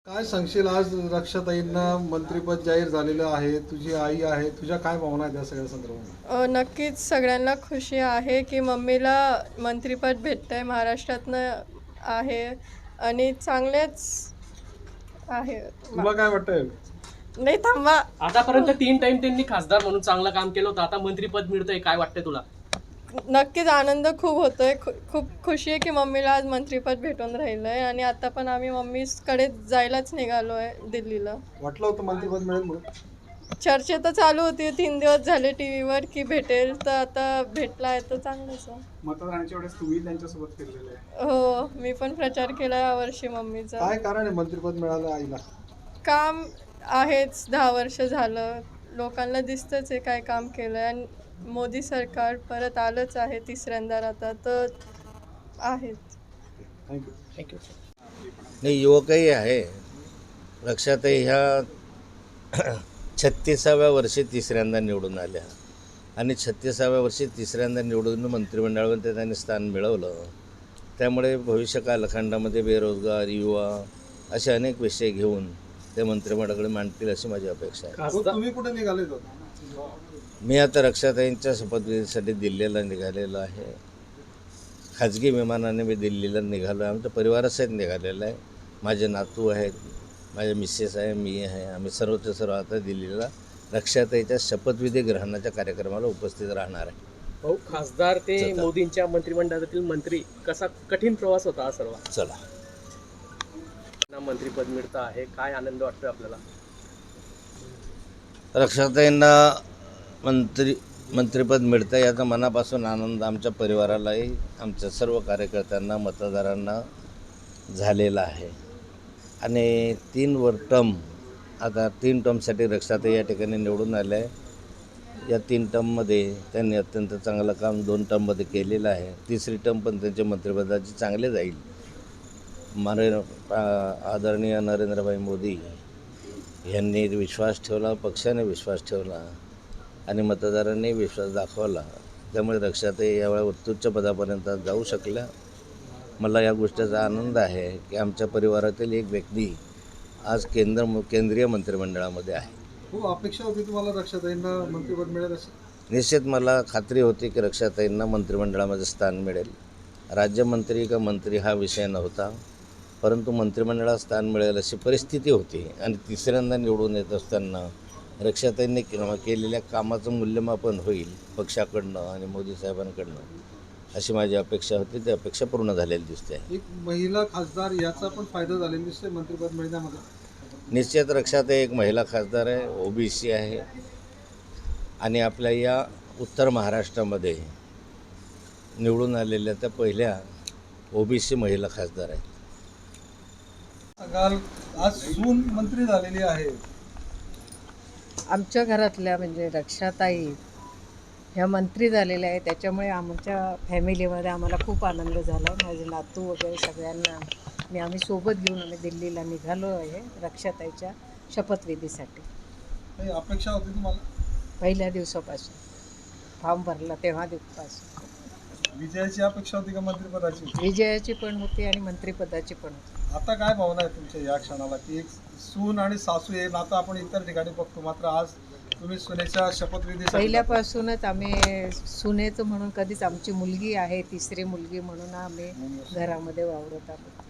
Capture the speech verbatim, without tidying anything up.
काय सांगशील, आज रक्षाताईंना मंत्रिपद जाहीर झालेलं आहे, तुझी आई आहे, तुझ्या काय भावना आहेत या सगळ्या संदर्भात? अ, नक्कीच सगळ्यांना खुशी आहे की मम्मीला मंत्रिपद भेटतंय महाराष्ट्रातनं आहे आणि चांगलेच आहे. तुला काय वाटतंय? नाही थांबा. आतापर्यंत तीन टाइम त्यांनी खासदार म्हणून चांगलं काम केलं होतं, आता मंत्रीपद मिळतंय, काय वाटतंय तुला? नक्कीच आनंद खूप होतोय. खू खूप खुशी आहे की मम्मीला आज मंत्रिपद भेटून राहिलंय आणि आता पण आम्ही मम्मीकडे जायलाच निघालो आहे दिल्लीला. वाटलं होतं मंत्रिपद मिळेल म्हणून? चर्चा तर चालू होती तीन दिवस झाले टी व्हीवर की भेटेल, तर आता भेटला आहे तर चांगलंच आहे. मतदानाच्या वेळेस तुम्ही त्यांच्यासोबत फिरलेले आहे. हो, मी पण प्रचार केला यावर्षी मम्मीचा. काय कारण आहे मंत्रिपद मिळालं आईला? काम आहेच, दहा वर्ष झालं लोकांना दिसतंच आहे काय काम केलं आणि मोदी सरकार परत आलंच आहे तिसऱ्यांदा आता तर आहेच. थँक्यू. थँक्यू. नाही, युवकही आहे. रक्षाताई ह्या छत्तीसाव्या वर्षी तिसऱ्यांदा निवडून आल्या आणि छत्तीसाव्या वर्षी तिसऱ्यांदा निवडून मंत्रिमंडळामध्ये त्यांनी स्थान मिळवलं. त्यामुळे भविष्य कालखंडामध्ये बेरोजगार युवा असे अनेक विषय घेऊन ते मंत्रिमंडळाकडे मांडतील अशी माझी अपेक्षा आहे. खासदार तुम्ही कुठे निघाले होते? मी आता रक्षाताईंच्या शपथविधीसाठी दिल्लीला निघालेलो आहे. खाजगी विमानाने मी दिल्लीला निघालो आहे. आमच्या परिवारासहित निघालेलं आहे. माझे नातू आहेत, माझे मिसेस आहे, मी आहे. आम्ही सर्वच्या सर्व आता दिल्लीला रक्षाताईच्या शपथविधी ग्रहणाच्या कार्यक्रमाला उपस्थित राहणार आहे. भाऊ, खासदार ते चला. मोदींच्या मंत्रिमंडळातील मंत्री, कसा कठीण प्रवास होता हा सर्व? चला. मंत्रीपद मिळतं आहे, काय आनंद वाटतोय आपल्याला? रक्षाताईंना मंत्री मंत्रिपद मिळतं याचा मनापासून आनंद आमच्या परिवारालाही, आमच्या सर्व कार्यकर्त्यांना, मतदारांना झालेला आहे. आणि तीन वर टर्म आता तीन टर्मसाठी रक्षाताई या ठिकाणी निवडून आल्या आहे. या तीन टर्ममध्ये त्यांनी अत्यंत चांगलं काम दोन टर्ममध्ये केलेलं आहे. तिसरी टर्म पण त्यांच्या मंत्रिपदाची चांगले जाईल. मारे आदरणीय नरेंद्रभाई मोदी यांनी विश्वास ठेवला, पक्षाने विश्वास ठेवला आणि मतदारांनी विश्वास दाखवला. त्यामुळे रक्षाताई यावेळी उत्तुच्च पदापर्यंत जाऊ शकल्या. मला या गोष्टीचा आनंद आहे की आमच्या परिवारातील एक व्यक्ती आज केंद्र केंद्रीय मंत्रिमंडळामध्ये आहे. खूप अपेक्षा होती तुम्हाला रक्षाताईंना मंत्रिपद मिळेल अशी? निश्चित मला खात्री होती की रक्षाताईंना मंत्रिमंडळामध्ये स्थान मिळेल. राज्यमंत्री का मंत्री हा विषय नव्हता, परंतु मंत्रिमंडळात स्थान मिळेल अशी परिस्थिती होती. आणि तिसऱ्यांदा निवडून येत असताना रक्षाताईंनी केलेल्या कामाचं मूल्यमापन होईल पक्षाकडनं आणि मोदी साहेबांकडनं अशी माझी अपेक्षा होती. ती अपेक्षा पूर्ण झालेली दिसते. एक महिला खासदार याचा पण फायदा झालेला दिसतोय मंत्रिपद मिळण्यामध्ये. निश्चित रक्षाताई एक महिला खासदार आहे, ओबीसी आहे आणि आपल्या या उत्तर महाराष्ट्रामध्ये निवडून आलेल्या त्या पहिल्या ओबीसी महिला खासदार आहेत. सांगाल, आज सून मंत्री झालेली आहे. आमच्या घरातल्या म्हणजे रक्षाताई ह्या मंत्री झालेल्या आहे, त्याच्यामुळे आमच्या फॅमिलीमध्ये आम्हाला खूप आनंद झाला. माझे नातू वगैरे सगळ्यांना आणि आम्ही सोबत घेऊन आम्ही दिल्लीला निघालो आहे रक्षाताईच्या शपथविधीसाठी. काही अपेक्षा होती तुम्हाला? पहिल्या दिवसापासून फॉर्म भरला तेव्हा दिवसापासून विजयाची अपेक्षा होती का मंत्रिपदाची? विजयाची पण होती आणि मंत्रिपदाची पण होती. आता काय भावना आहे तुमच्या या क्षणाला की एक सून आणि सासू हे नातं आपण इतर ठिकाणी बघतो, मात्र आज तुम्ही सुनेच्या शपथविधी पहिल्यापासूनच आम्ही सुनेचं म्हणून कधीच आमची मुलगी आहे, तिसरी मुलगी म्हणून आम्ही घरामध्ये वावरत आहोत.